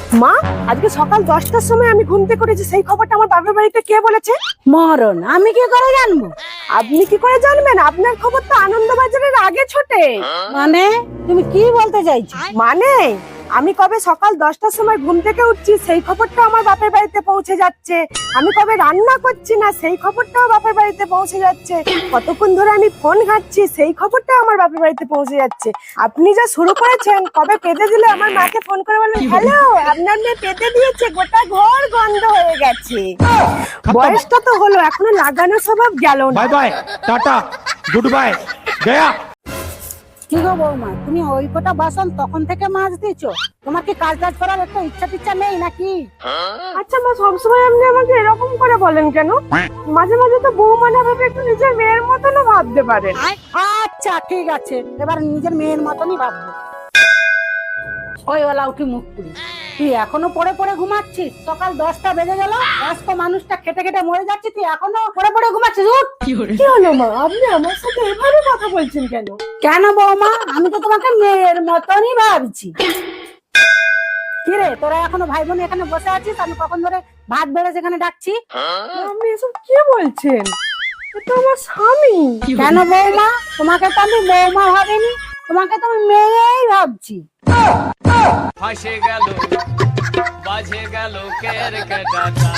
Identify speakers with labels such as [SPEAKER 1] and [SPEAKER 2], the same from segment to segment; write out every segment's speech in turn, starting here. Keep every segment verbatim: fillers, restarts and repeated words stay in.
[SPEAKER 1] মা, আজকে সকাল দশটার সময় আমি ঘুম থেকে উঠেছি, সেই খবরটা আমার বাবার বাড়িতে কে বলেছে?
[SPEAKER 2] মরণ আমি কি করে জানবো?
[SPEAKER 1] আপনি কি করে জানবেন? আপনার খবর তো আনন্দবাজারের আগে ছোটে।
[SPEAKER 2] মানে তুমি কি বলতে চাইছো?
[SPEAKER 1] মানে আমি কবে সকাল দশটার সময় ঘুম থেকে উঠছি সেই খবরটা আমার বাপের বাড়িতে পৌঁছে যাচ্ছে। আমি কবে রান্না করছি না সেই খবরটাও বাপের বাড়িতে পৌঁছে যাচ্ছে। কতক্ষণ ধরে আমি ফোন ঘাঁটছি সেই খবরটা আমার বাপের বাড়িতে পৌঁছে যাচ্ছে। আপনি যা শুরু করেছেন, কবে পেতে দিলে আমার মাকে ফোন করে বললেন, হ্যালো আপনার মেয়ে পেতে দিয়েছে, গোটা ঘর গন্ধ হয়ে গেছে। বয়সটা তো হলো, এখনো লাগানো স্বভাব গেল না।
[SPEAKER 3] Bye bye, tata, goodbye, গয়া।
[SPEAKER 2] কি গো বৌমা, তুমি ওই কটা বাসন তখন থেকে মাছ দিছো? তোমার কি কাজ টাজ করার একটা ইচ্ছা টিচ্ছা নেই নাকি?
[SPEAKER 1] আচ্ছা মা, সবসময় আপনি আমাকে এরকম করে বলেন কেন? মাঝে মাঝে তো বৌমা না ভেবে একটু নিজের মেয়ের মতনও ভাবতে পারেন।
[SPEAKER 2] আচ্ছা ঠিক আছে, এবার নিজের মেয়ের মতনই ভাববো। ওই ওলা উঠি মুখ পুরি, তুই এখনো পড়ে পড়ে ঘুমাচ্ছিস? সকাল দশটা বেজে গেল, বয়স্ক মানুষটা খেটে খেটে মরে যাচ্ছে, তুই এখনো পড়ে পড়ে ঘুমাচ্ছিস? উঠ!
[SPEAKER 1] কি হলো মা, আপনি আমার সাথে এভাবে কথা বলছেন কেন?
[SPEAKER 2] কেন বৌমা, আমি তো তোমাকে মেয়ের মতনই ভাবছি। কি রে, তোরা এখনো ভাই বোন এখানে বসে আছিস? আমি কখন ধরে ভাত বেড়ে সেখানে ডাকছি।
[SPEAKER 1] আপনি এসব কি বলছেন? এটা আমার স্বামী।
[SPEAKER 2] কেন বৌমা, তোমাকে তো আমি বৌমা ভাবিনি, তোমাকে তো আমি মেয়েই ভাবছি।
[SPEAKER 4] ফাঁসে গেল, বাজে গেল কের কেটাটা,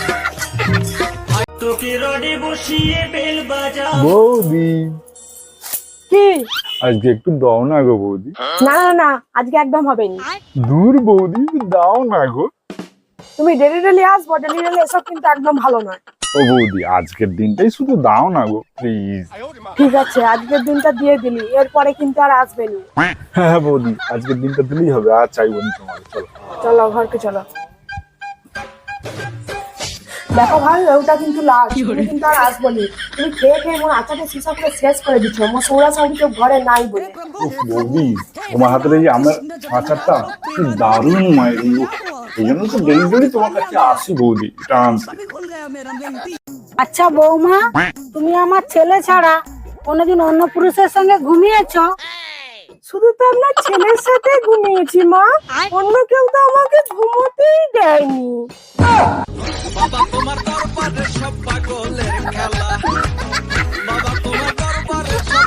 [SPEAKER 4] তোকে রডে বসিয়ে বেল বাজা।
[SPEAKER 5] বৌদি,
[SPEAKER 1] কি?
[SPEAKER 5] আজকে একটু দাও না গো বৌদি।
[SPEAKER 1] না না না, আজকে একদম হবে না।
[SPEAKER 5] দূর বৌদি, দাও না গো।
[SPEAKER 1] তুমি ডেলি ডেলি আসবো, ডেলি ডেলি এসব কিন্তু একদম ভালো নয়।
[SPEAKER 5] ও বৌদি, আজকের দিনটাই শুধু দাও না গো প্লিজ।
[SPEAKER 1] ঠিক আছে, আজকের দিনটা দিয়ে দিলি, এরপরে কিন্তু আর আসবে না।
[SPEAKER 5] হ্যাঁ হ্যাঁ বৌদি, আজকের দিনটা দিলেই হবে, আর চাইবো না তোমার। চলো
[SPEAKER 1] চলো ঘরকে চলো। দেখো ভাই, ওটা কিন্তু লাস্ট, তুমি কিন্তু আর আসবো না। তুমি খেয়ে খেয়ে মোর আচারের সীসা করে শেষ করে দিচ্ছ। মোর সৌরা সৌরি কেউ ঘরে নাই বলে।
[SPEAKER 5] উফ বৌদি, তোমার হাতের এই যে আমার আচারটা কি দারুণ মায়ের, এই জন্য তো ডেলি ডেলি তোমার কাছে আসি বৌদি, এটা আনতে।
[SPEAKER 2] আচ্ছা বৌমা, তুমি আমার ছেলে ছাড়া কোনোদিন অন্য পুরুষের সঙ্গে ঘুমিয়েছো?
[SPEAKER 1] শুধু তো আপনার ছেলের সাথে ঘুমিয়েছি মা, অন্য কেউ তো আমাকে ঘুমোতেই দেয়নি।
[SPEAKER 4] বাবা তোমার দরবারে সব পাগলের খেলা, বাবা তোমার দরবারে সব।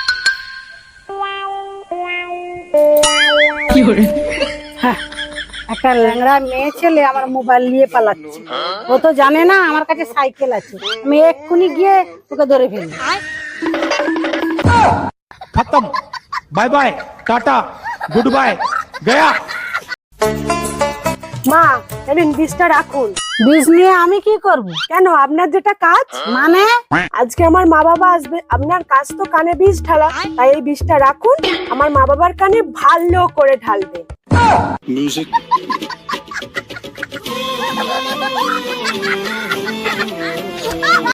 [SPEAKER 2] কি করে? একটা ল্যাংড়া মেয়ে ছেলে আমার মোবাইল নিয়ে পালাচ্ছে। ও তো জানে না আমার কাছে সাইকেল আছে, আমি এক্ষুনি গিয়ে ওকে ধরে ফেলি।
[SPEAKER 3] खत्म, bye bye, tata, goodbye, गया।
[SPEAKER 1] মা, এদিন বিষটা রাখুন।
[SPEAKER 2] বিষ নিয়ে আমি কি করব?
[SPEAKER 1] কেন, আপনার যেটা কাজ?
[SPEAKER 2] মানে
[SPEAKER 1] আজকে আমার মা বাবা আসবে, আপনার কাজ তো কানে বিষ ঢালা, তাই এই বিষটা রাখুন, আমার মা বাবার কানে ভালো করে ঢালবে।
[SPEAKER 4] মিউজিক